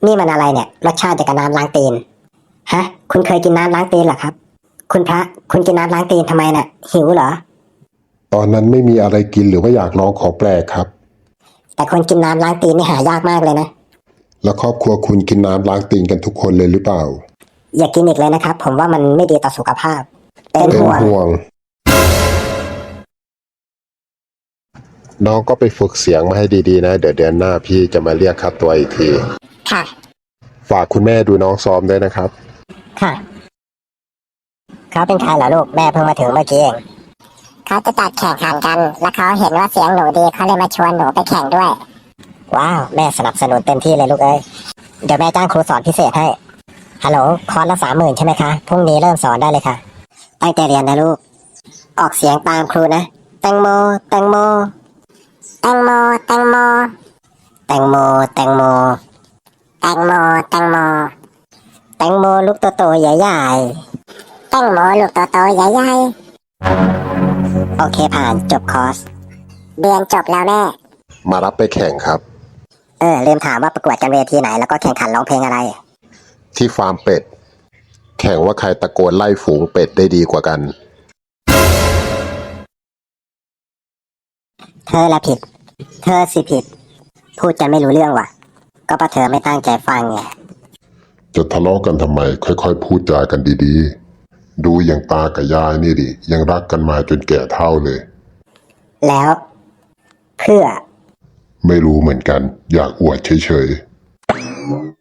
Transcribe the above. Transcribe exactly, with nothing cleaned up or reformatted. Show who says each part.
Speaker 1: นี่มันอะไรเนี่ยรสชาติจากน้ำล้างตีนฮะคุณเคยกินน้ำล้างตีนเหรอครับคุณพระคุณกินน้ำล้างตีนทำไมน่ะหิวเหรอ
Speaker 2: ตอนนั้นไม่มีอะไรกินหรือว่าอยากลองของแปลกครับ
Speaker 1: แต่คนกินน้ำล้างตีนนี่หายากมากเลยนะ
Speaker 2: แล้วครอบครัวคุณกินน้ำล้างตีนกันทุกคนเลยหรือเปล่า
Speaker 1: อย่ากินอีกเลยนะครับผมว่ามันไม่ดีต่อสุขภาพเป็นห่วง
Speaker 2: ห่วงน้องก็ไปฝึกเสียงมาให้ดีๆนะเดี๋ยวเดือนหน้าพี่จะมาเรียกค่าตัวอีกที
Speaker 1: ค่ะ
Speaker 2: ฝากคุณแม่ดูน้องซ้อมด้วยนะครับ
Speaker 1: ค่ะเขาเป็นใครเหรอลูกแม่เพิ่งมาถึงเมื่อกี้เองเขาจะจัดแข่งขันกันแล้วเขาเห็นว่าเสียงหนูดีเขาเลยมาชวนหนูไปแข่งด้วยว้าวแม่สนับสนุนเต็มที่เลยลูกเอ้ยเดี๋ยวแม่จ้างครูสอนพิเศษให้ฮัลโหลคอร์สละสามหมื่นใช่ไหมคะพรุ่งนี้เริ่มสอนได้เลยค่ะตั้งใจเรียนนะลูกออกเสียงตามครูนะแตงโมแตงโมแตงโมแตงโมแตงโมแตงโมแตงโมแตงโมแตงโมลูกโตๆใหญ่ๆแตงโมลูกโตๆใหญ่ๆโอเคผ่านจบคอร์สเรียนจบแล้วแม่
Speaker 2: มารับไปแข่งครับ
Speaker 1: เออลืมถามว่าประกวดกันเวทีไหนแล้วก็แข่งขันร้องเพลงอะไร
Speaker 2: ที่ฟาร์มเป็ดแข่งว่าใครตะโกนไล่ฝูงเป็ดได้ดีกว่ากัน
Speaker 1: เธอละผิดเธอสิผิดพูดจะไม่รู้เรื่องว่ะก็เพราะเธอไม่ตั้งใจฟังไง
Speaker 2: จะทะเลาะกันทำไมค่อยๆพูดจากันดีๆดูอย่างตากับยายนี่ดิยังรักกันมาจนแก่เฒ่าเลย
Speaker 1: แล้วเพื่อ
Speaker 2: ไม่รู้เหมือนกันอยากอวดเฉยๆ